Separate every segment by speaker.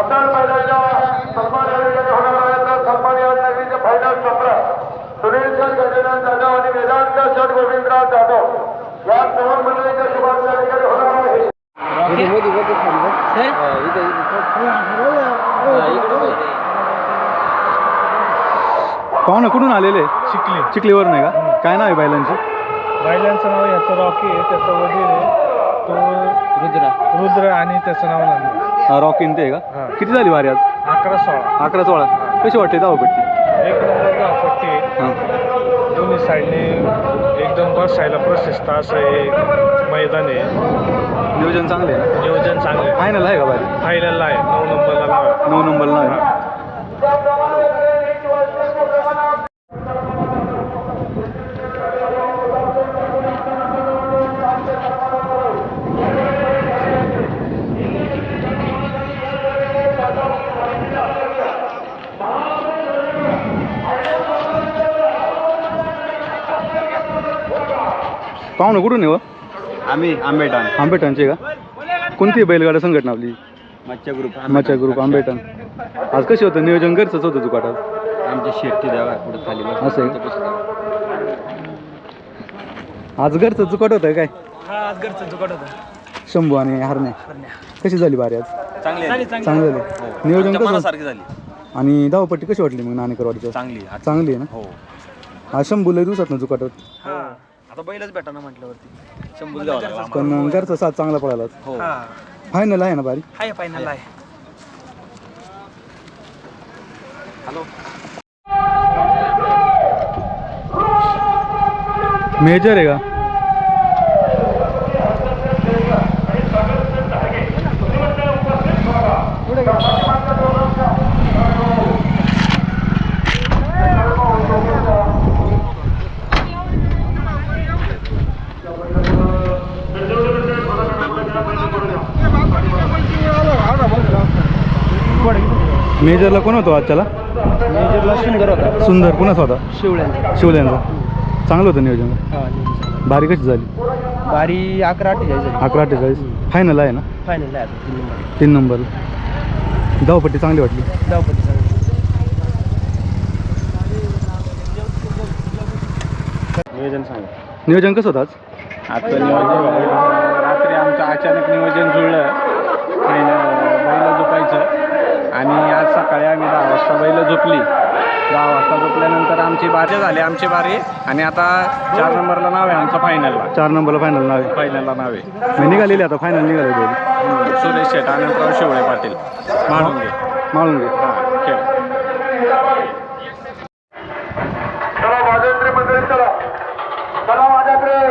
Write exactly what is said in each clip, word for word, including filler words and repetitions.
Speaker 1: मुद्दाल बैलाच्या सन्मान होणार सन्मान यादनगरीचे फायनल सत्र सुनील सर गजानन जाधव आणि वेदांत सर गोविंदराव जाधव या दोन मंडळीच्या शुभारंभ ठिकाणी होणार आहे.
Speaker 2: पाहुणा कुठून आलेले?
Speaker 3: चिखली
Speaker 2: चिखलीवर नाही का? काय नाव आहे बैलांची?
Speaker 3: बैलांचं नाव याचं रॉकी आहे, त्याचं वजीर आहे तो रुद्र रुद्र आणि त्याचं नाव नंदी.
Speaker 2: रॉकी ते आहे का? किती झाली वारी आज?
Speaker 3: अकरा सोळा
Speaker 2: अकरा सोळा. कशी वाटते धावपट्टी?
Speaker 3: एक नंबर धावपट्टी आहे. दोन्ही साईडने एकदम बसायला प्रशस्त असं हे मैदान आहे.
Speaker 2: नियोजन चांगले आहे.
Speaker 3: नियोजन चांगले.
Speaker 2: फायनल आहे का वारी?
Speaker 3: फायनलला आहे. नऊ नंबरला नाव आहे.
Speaker 2: नऊ नंबरला नाव आहे. पाहुणं कुठून आहे?
Speaker 4: आम्ही आंबेठाण.
Speaker 2: आंबेठाणचे का? कोणती बैलगाडा संघटना आपली?
Speaker 4: मच्छा ग्रुप.
Speaker 2: मच्छा ग्रुप आंबेठाण. आज कशी होतं नियोजन? घरचंच होतं जुकाट आज?
Speaker 4: आमची शेती द्यावा पुढे खाली
Speaker 2: असं आहे. आज घरचं जुकाट होतं काय?
Speaker 3: हा आज घरचं जुगाट होतं.
Speaker 2: शंभू आणि हरण्या. कशी झाली बारी आज?
Speaker 4: चांगली
Speaker 2: चांगली झाली. नियोजन कसं?
Speaker 4: झाली.
Speaker 2: आणि धावपट्टी कशी वाटली मग नाणेकरवाडीची?
Speaker 4: चांगली
Speaker 2: चांगली आहे ना?
Speaker 4: हो.
Speaker 2: हा शंभू लय दिवसात ना जुकाट होत.
Speaker 4: आता बैलच भेटा ना म्हटल्यावरती शंभू द्यावा.
Speaker 2: पण घरचा साथ चांगला पळाला.
Speaker 4: हो.
Speaker 2: फायनल आहे ना बारी?
Speaker 3: आहे फायनल आहे.
Speaker 4: हॅलो
Speaker 2: मेजर आहे का? मेजरला कोण होतो आजच्याला?
Speaker 3: मेजरला सुंदर होता.
Speaker 2: सुंदर. कुणाचा होता?
Speaker 3: शिवळ्या.
Speaker 2: शिवल्यांचा. चांगलं होतं नियोजन. बारी कशी झाली?
Speaker 3: बारी अकरा अठ्ठेचाळीस झाली.
Speaker 2: अकरा अठ्ठेचाळीस. फायनल आहे ना?
Speaker 3: फायनल आहे आता तीन नंबर.
Speaker 2: तीन नंबर. धावपट्टी चांगली वाटली.
Speaker 3: धावपट्टी चांगली.
Speaker 4: नियोजन सांगा.
Speaker 2: नियोजन कसं होतं आज?
Speaker 4: आता नियोजन रात्री आमचं अचानक नियोजन जुळलं. बैल झोपायचं आणि आज सकाळी आम्ही दहा वाजता बैल झोपली. दहा वाजता झोपल्यानंतर आमची बारी झाली. आमची बारी आणि आता चार नंबरला नाव आहे आमचं फायनलला.
Speaker 2: चार नंबरला फायनल नाव आहे.
Speaker 4: फायनलला नाव आहे.
Speaker 2: मी निघालेली आता फायनल निघाले दोघी.
Speaker 4: सुरेश शेठ अनंतराव शिवळे पाटील माळून घे.
Speaker 2: माळून घे.
Speaker 4: हां खेळ.
Speaker 1: चला माझ्याकडे मंडळी चला चला माझ्याकडे.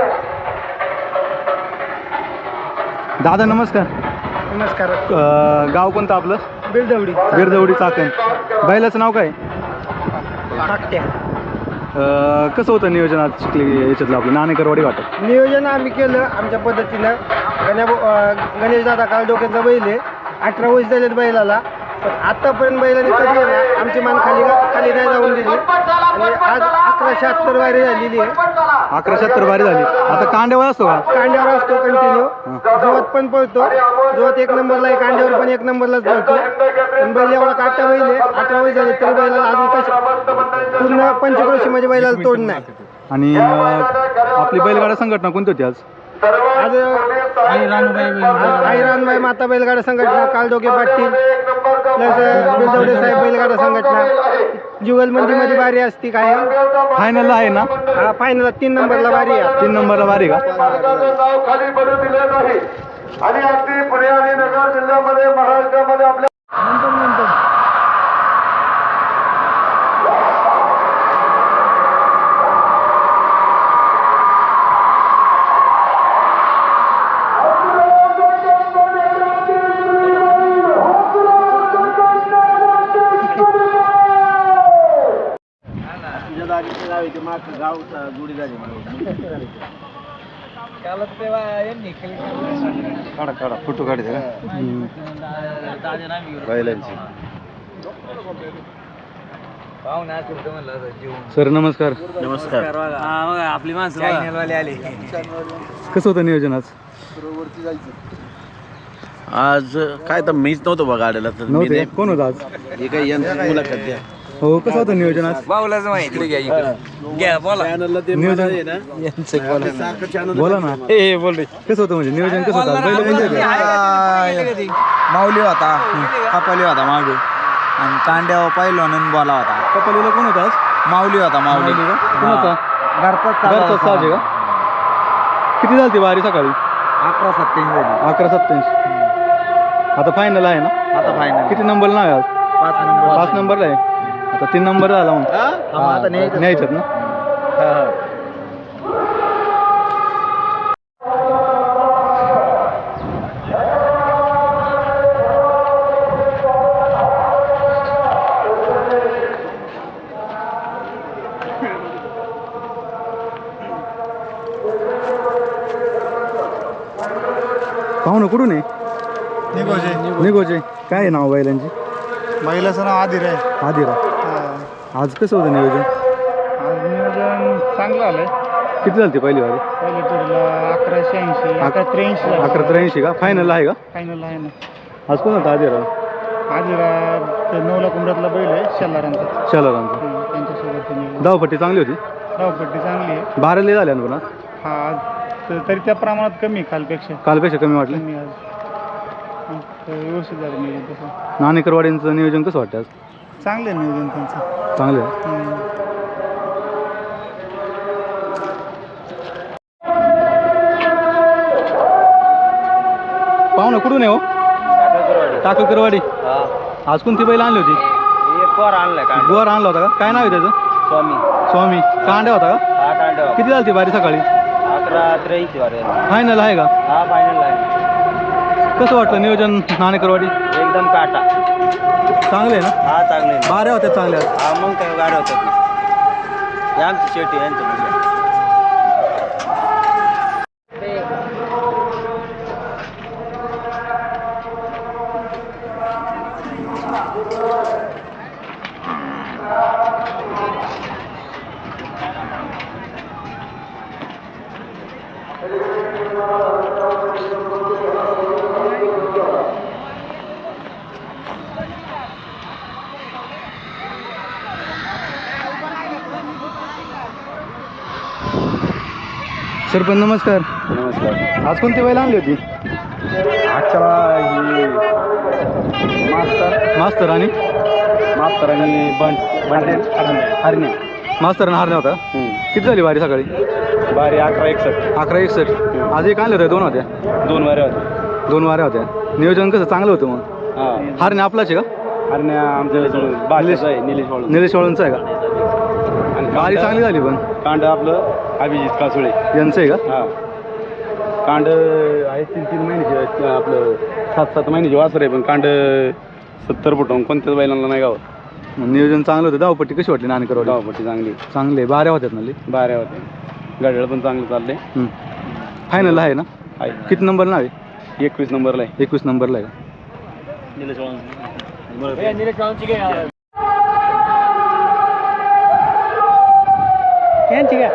Speaker 2: दादा नमस्कार.
Speaker 3: नमस्कार.
Speaker 2: अं, गाव कोणतं आपलं?
Speaker 3: बिरदवडी.
Speaker 2: बिरदवडी चाकण. बैलाचं नाव काय?
Speaker 3: टाकट्या.
Speaker 2: अं, कसं होतं नियोजन आज शिकली याच्यातलं आपलं नाणेकरवाडी वाटत?
Speaker 3: नियोजन आम्ही केलं आमच्या पद्धतीनं. गण्या गणेश दादा कालडोक्यांचा बैल आहे. अठरा वर्ष झालेत बैलाला. पण आतापर्यंत बैलाने कधी आहे ना आमची मान खाली खाली नाही जाऊन दिली. आणि आज अकरा शहात्तर वारी झालेली आहे.
Speaker 2: अकरा शहात्तर बारी झाली. आता कांड्यावर असतो का?
Speaker 3: कांड्यावर असतो कंटिन्यू. जोरात पण पळतो. जोरात एक नंबरला आहे. कांड्यावर पण एक नंबरलाच पळतो. पण बैल एवढा काटा बैल आहे. अठरा वर्ष झाले तरी बैलाला अजून कशी पूर्ण पंचक्रोशी म्हणजे बैलाला तोड नाही.
Speaker 2: आणि अं, आपली बैलगाडा संघटना कोणती होती आज?
Speaker 3: आज आई रानबाई माता बैलगाडा संघटना, कालदोगे पाटील प्लस बिरदवडे साहेब बैलगाडा संघटना. जुगल मंदीमध्ये बारी असती काय?
Speaker 2: फायनलला आहे ना?
Speaker 3: हा फायनल तीन नंबरला बारी आहे.
Speaker 2: तीन नंबरला बारी का?
Speaker 1: नाव खाली पडू दिले नाही आणि अगदी पुणे आणि नगर जिल्ह्यामध्ये महाराष्ट्रामध्ये आपल्या
Speaker 4: काढा काढा फोटो काढते का बैलांची.
Speaker 2: सर नमस्कार.
Speaker 4: नमस्कार.
Speaker 3: आपली माणसं आली.
Speaker 2: कसं होतं नियोजन आज?
Speaker 5: आज काय तर मीच नव्हतो बघा गाड्याला तर मी
Speaker 2: नव्हते
Speaker 5: नाही-
Speaker 2: कोण होतं आज
Speaker 5: हे काय यांची मुलाखत द्या
Speaker 2: हो कसं होतं नियोजन आज नियोजन बोला ना कसं होतं म्हणजे नियोजन कसं होतं आज? बैल कोणते होते?
Speaker 6: माऊली होता कपाली होता मागे आणि कांड्यावर पाहिलो आणि बोला होता
Speaker 2: कपालीला कोण होता आज
Speaker 6: माऊली होता माऊली
Speaker 2: माऊली का? कोणाचा
Speaker 3: घरचा
Speaker 2: घरचा साज आहे का किती झालती वारी सकाळी
Speaker 6: अकरा सत्याऐंशी झाली
Speaker 2: अकरा सत्याऐंशी आता फायनल आहे ना
Speaker 6: आता फायनल
Speaker 2: किती नंबर नाव आहे आज
Speaker 6: पाच नंबर
Speaker 2: पाच नंबरला आहे आता तीन नंबर झाला मग
Speaker 6: आता न्यायचं.
Speaker 2: न्यायच्यात ना पाहू ना कुठून आहे
Speaker 3: निघोजे
Speaker 2: निघोचे काय आहे नाव बैलांची
Speaker 3: महिलाचं नाव आदिर आहे
Speaker 2: आदिरा आज कसं होतं नियोजन
Speaker 3: आज नियोजन चांगलं आलंय
Speaker 2: किती झालती पहिली वारी
Speaker 3: पहिल्या टूरला अकराशे ऐंशी अकरा त्र्याऐंशी
Speaker 2: अकरा त्र्याऐंशी का फायनल आहे का
Speaker 3: फायनल आहे ना
Speaker 2: आज कोण होता आदिरा
Speaker 3: आदिरा ते नवला कुंभरातला बैल आहे शेलारांचा
Speaker 2: शालारांचा
Speaker 3: हम्म, त्यांच्यासोबत त्यांनी
Speaker 2: धावपट्टी चांगली होती
Speaker 3: धावपट्टी चांगली आहे
Speaker 2: बाराले झाल्या ना पुन्हा
Speaker 3: हा आज त- तरी त्या प्रमाणात कमी आहे कालपेक्षा
Speaker 2: कालपेक्षा कमी वाटले
Speaker 3: कमी आज आज तर व्यवस्थित झालं नियोजन तसं
Speaker 2: नाणेकरवाडींचं नियोजन कसं वाटतं आज
Speaker 3: चांगलं आहे नियोजन त्यांचं
Speaker 2: चांगलं आहे
Speaker 3: हम्म.
Speaker 2: पाहू ना कुठून आहे हो टाकरकरवाडी आज कोणती बैल आणली होती गोवर आणला होता का काय नाव आहे त्याचं
Speaker 6: स्वामी
Speaker 2: स्वामी कांड्या होता का
Speaker 6: हा कांड्या
Speaker 2: किती झालती बारी सकाळी
Speaker 6: अकरा त्र्याऐंशी वारे
Speaker 2: फायनल आहे का
Speaker 6: हा फायनल आहे
Speaker 2: कसं वाटलं नियोजन नाणेकरवाडी
Speaker 6: एकदम काटा
Speaker 2: चांगले आहे ना
Speaker 6: हा चांगले
Speaker 2: बाऱ्या होत्या चांगल्या
Speaker 6: हा मग काय गाड्या होतात ना हे आमची शेवटी यांचं म्हणजे
Speaker 2: सरपंच नमस्कार
Speaker 5: नमस्कार
Speaker 2: आज कोणती बैल आणली होती
Speaker 5: आजच्या ही मास्तर
Speaker 2: मास्तर आणि
Speaker 5: मास्तर आणि बंड बंड हरणे
Speaker 2: मास्तर आणि हारण्या होता किती झाली बारी सकाळी
Speaker 5: बारी अकरा एकसष्ट
Speaker 2: अकरा एकसष्ट आज एक आणले होते दोन होत्या
Speaker 5: दोन वारे होते
Speaker 2: दोन वाऱ्या होत्या नियोजन कसं चांगलं होतं मग
Speaker 5: हा
Speaker 2: हारण्या आपलाच आहे का
Speaker 5: हरणे आमच्या बालेश आहे निलेश वाळून
Speaker 2: निलेश वाळूंचं आहे का
Speaker 5: आणि
Speaker 2: बारी चांगली झाली पण
Speaker 5: कांड आपलं अभिजित कासुळे
Speaker 2: यांचं आहे का
Speaker 5: हा कांड आहे तीन तीन महिन्याची आपलं सात सात महिन्याची वासर आहे पण कांड सत्तर फुटून कोणत्याच बैलांना नाही गावत
Speaker 2: मग नियोजन चांगलं होतं धावपट्टी कशी वाटली नाणेकरवाडी
Speaker 5: गावपट्टी चांगली
Speaker 2: चांगले बाऱ्या होत्यात ना लई?
Speaker 5: बाऱ्या होते गाड्याला पण चांगलं चाललंय
Speaker 2: हम्म. फायनल आहे ना
Speaker 5: आहे
Speaker 2: किती नंबर नाव आहे
Speaker 5: एकवीस नंबरला आहे
Speaker 2: एकवीस नंबरला आहे का
Speaker 3: यांची काय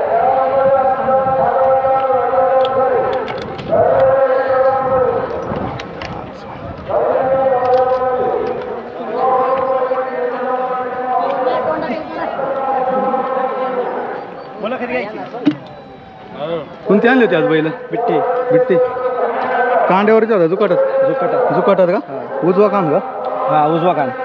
Speaker 3: बोला कधी घ्यायची
Speaker 2: कोणती आणली होती आज बैल
Speaker 3: बिट्टी
Speaker 2: बिट्टी कांड्यावरती होता जुकाटात
Speaker 3: जुकटा
Speaker 2: जुकाटात का उजवा कान का
Speaker 3: हा उजवा कान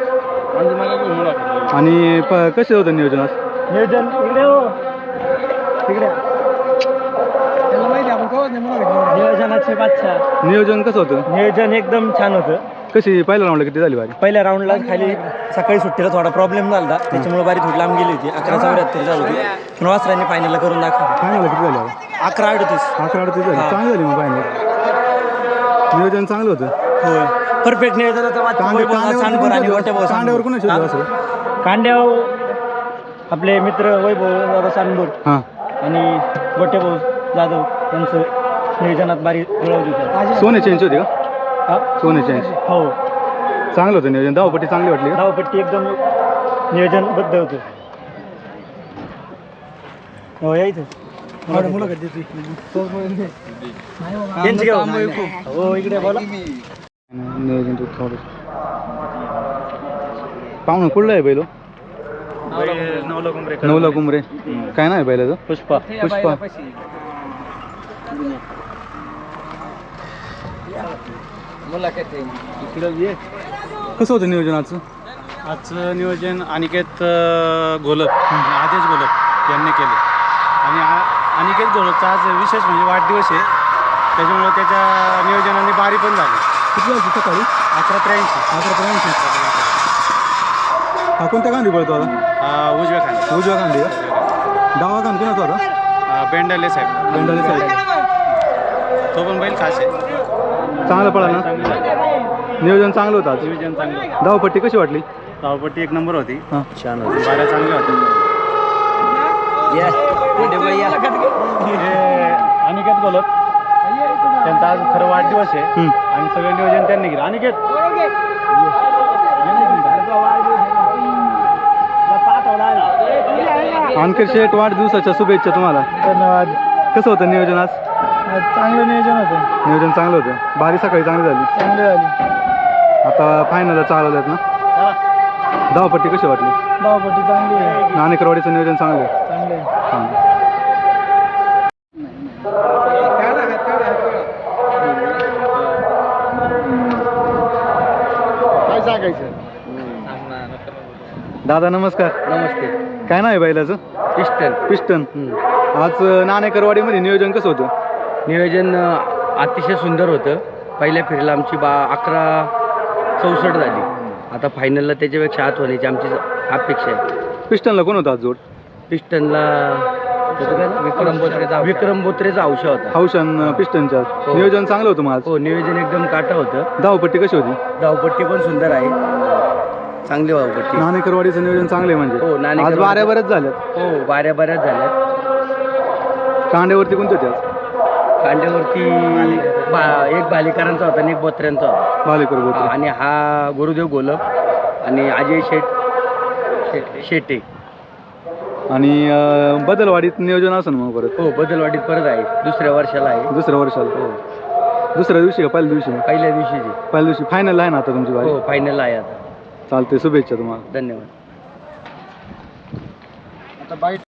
Speaker 2: आणि प कसे होतं नियोजन आज
Speaker 3: नियोजन इकडे हो तिकडे त्याला माहिती आपण कवच नाही नियोजनाचे बादशाह
Speaker 2: नियोजन कसं होतं
Speaker 3: नियोजन एकदम छान होतं
Speaker 2: कशी पहिल्या राऊंडला किती झाली बारी
Speaker 3: पहिल्या राऊंडला खाली सकाळी सुट्टीला थोडा प्रॉब्लेम झाला होता त्याच्यामुळे बारी थोडी लांब गेली होती अकरा चौऱ्याहत्तर झाली होती पण वासरांनी फायनलला करून दाखवलं
Speaker 2: फायनल किती झाली आता?
Speaker 3: अकरा अडतीस
Speaker 2: अकरा अडतीस झाली
Speaker 3: हा.
Speaker 2: चांगली झाली मग फायनल नियोजन चांगलं होतं
Speaker 3: होय परफेक्ट नियोजन होतं वाटतं
Speaker 2: कांडे
Speaker 3: वैभव
Speaker 2: कांड्यावर
Speaker 3: सांडभर आणि
Speaker 2: कोणाचे
Speaker 3: गोट्या भाऊ
Speaker 2: होते? कांड्यावर कोणाचे होते
Speaker 3: सांडभर.
Speaker 2: वासरं?
Speaker 3: कांड्यावर आपले मित्र वैभव दादा सांडभर
Speaker 2: हां
Speaker 3: आणि गोट्या भाऊ जाधव यांचं नियोजनात बारी जुळवली होती
Speaker 2: सोने चेंज होती का
Speaker 3: हा?
Speaker 2: सोने चेंज
Speaker 3: हो
Speaker 2: चांगलं होतं नियोजन धावपट्टी चांगली वाटली का
Speaker 3: धावपट्टी एकदम नियोजनबद्ध होतं हो यायचं त्यांची हो इकडे बोला
Speaker 2: नियोजन तू थोडं पाहुणं कुठलं आहे बैलो नवला कुंबरे काय नाही बैलाचं पुष्पा पुष्पा कसं होतं नियोजन आजचं
Speaker 4: आजचं नियोजन अनिकेत अं, घोलप आणि आदेश घोलप यांनी केले आणि आ- अनिकेत घोलपचा आज विशेष म्हणजे वाढदिवस आहे त्याच्यामुळे त्याच्या नियोजनाने बारी पण झाली
Speaker 2: किती वाजता सकाळी
Speaker 4: अकरा त्र्याऐंशी
Speaker 2: अकरा त्र्याऐंशी हा कोणत्या गांधी पळतो आता
Speaker 4: उजव्या खाली
Speaker 2: उजव्या गांधी का डावा गांधी कोणाचा होता
Speaker 4: बेंडाले साहेब
Speaker 2: बेंडाले साहेब
Speaker 4: तो पण बैल खास आहे
Speaker 2: चांगलं पळाला ना नियोजन चांगलं होतं आज
Speaker 4: नियोजन चांगलं
Speaker 2: धावपट्टी कशी वाटली
Speaker 4: धावपट्टी एक नंबर होती
Speaker 2: हां
Speaker 4: छान होती बाऱ्या चांगल्या होत्या हे अनिकेत गोलप त्यांचा आज खरं वाढदिवस आहे
Speaker 2: हम्म.
Speaker 4: आणि सगळं नियोजन त्यांनी केलं अनिकेत
Speaker 2: आणखी शेठ वाढदिवसाच्या शुभेच्छा तुम्हाला
Speaker 3: धन्यवाद.
Speaker 2: कसं होतं नियोजन आज
Speaker 3: चांगलं नियोजन होतं,
Speaker 2: नियोजन चांगलं होतं बारी सकाळी चांगली झाली
Speaker 3: चांगली झाली.
Speaker 2: आता फायनलला चालवलं आहेत ना धावपट्टी कशी वाटली
Speaker 3: धावपट्टी चांगली आहे,
Speaker 2: नाणेकरवाडीचं नियोजन चांगलं आहे
Speaker 3: चांगली आहे.
Speaker 2: चांगलं
Speaker 3: काय सांगायचं.
Speaker 2: दादा नमस्कार
Speaker 3: नमस्ते.
Speaker 2: काय नाव आहे बैलाचं
Speaker 3: पिस्टन
Speaker 2: पिस्टन आज नाणेकरवाडीमध्ये नियोजन कसं होतं
Speaker 3: नियोजन अ, अतिशय सुंदर होतं. पहिल्या फेरीला आमची बा अकरा चौसष्ट झाली. आता फायनलला त्याच्यापेक्षा आत होण्याची आमची अपेक्षा आहे.
Speaker 2: पिस्टनला कोण होता आज जोड
Speaker 3: पिस्टनला विक्रम बोत्रेचा विक्रम बोत्रेचा औषध होता.
Speaker 2: हौशन पिस्टनच्या
Speaker 3: हो.
Speaker 2: नियोजन चांगलं होतं मग आज
Speaker 3: हो, नियोजन एकदम काटा होतं.
Speaker 2: धावपट्टी कशी होती
Speaker 3: धावपट्टी पण सुंदर आहे, चांगली धावपट्टी.
Speaker 2: नाणेकरवाडीचं नियोजन चांगलं आहे
Speaker 3: हो,
Speaker 2: म्हणजे आज
Speaker 3: नाणेकरवाडीचं-
Speaker 2: बाऱ्या बऱ्याच झाल्यात
Speaker 3: हो, बाऱ्या बऱ्याच झाल्या.
Speaker 2: कांड्यावरती कोणते होते आज
Speaker 3: कांड्यावरती बा एक भालेकरांचा होता आणि एक बोत्र्यांचा होता.
Speaker 2: भालेकर
Speaker 3: हा,
Speaker 2: बोलतो
Speaker 3: आणि हा गुरुदेव गोलप आणि अजय शेट शेट शेटे.
Speaker 2: आणि अं, बदलवाडीत नियोजन असं मग परत
Speaker 3: हो, बदलवाडीत परत आहे, दुसऱ्या वर्षाला आहे.
Speaker 2: दुसऱ्या वर्षाला
Speaker 3: हो,
Speaker 2: दुसऱ्या दिवशी का पहिल्या दिवशी
Speaker 3: पहिल्या दिवशीची.
Speaker 2: पहिल्या दिवशी फायनल आहे ना आता तुमची बारी
Speaker 3: हो, फायनल आहे आता.
Speaker 2: चालते शुभेच्छा तुम्हाला
Speaker 3: धन्यवाद.